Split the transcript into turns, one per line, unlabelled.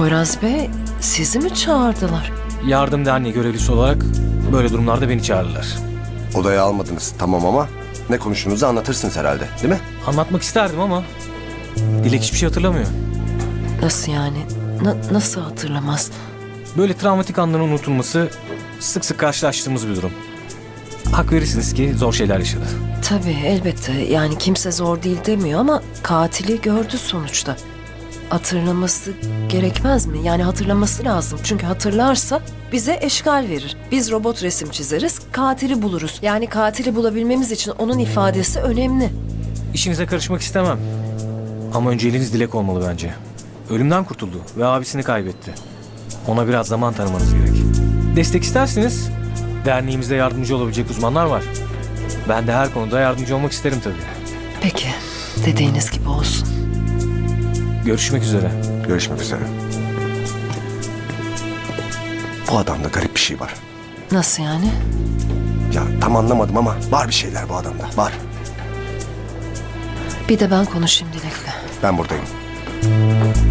Poyraz Bey, sizi mi çağırdılar?
Yardım derneği görevlisi olarak böyle durumlarda beni çağırırlar.
Odaya almadınız tamam ama ne konuştuğunuzu anlatırsınız herhalde değil mi?
Anlatmak isterdim ama Dilek hiçbir şey hatırlamıyor.
Nasıl yani? Nasıl hatırlamaz?
Böyle travmatik anların unutulması sık sık karşılaştığımız bir durum. Hak verirsiniz ki zor şeyler yaşadı.
Tabii elbette. Yani kimse zor değil demiyor ama katili gördü sonuçta. Hatırlaması gerekmez mi? Yani hatırlaması lazım. Çünkü hatırlarsa bize eşgal verir. Biz robot resim çizeriz, katili buluruz. Yani katili bulabilmemiz için onun ifadesi önemli.
İşinize karışmak istemem. Ama önceliğiniz Dilek olmalı bence. Ölümden kurtuldu ve abisini kaybetti. Ona biraz zaman tanımanız gerek. Destek isterseniz derneğimizde yardımcı olabilecek uzmanlar var. Ben de her konuda yardımcı olmak isterim tabii.
Peki, dediğiniz gibi olsun.
Görüşmek üzere.
Görüşmek üzere. Bu adamda garip bir şey var.
Nasıl yani?
Ya tam anlamadım ama var bir şeyler bu adamda. Var.
Bir de ben konuşayım Dilek'le.
Ben buradayım.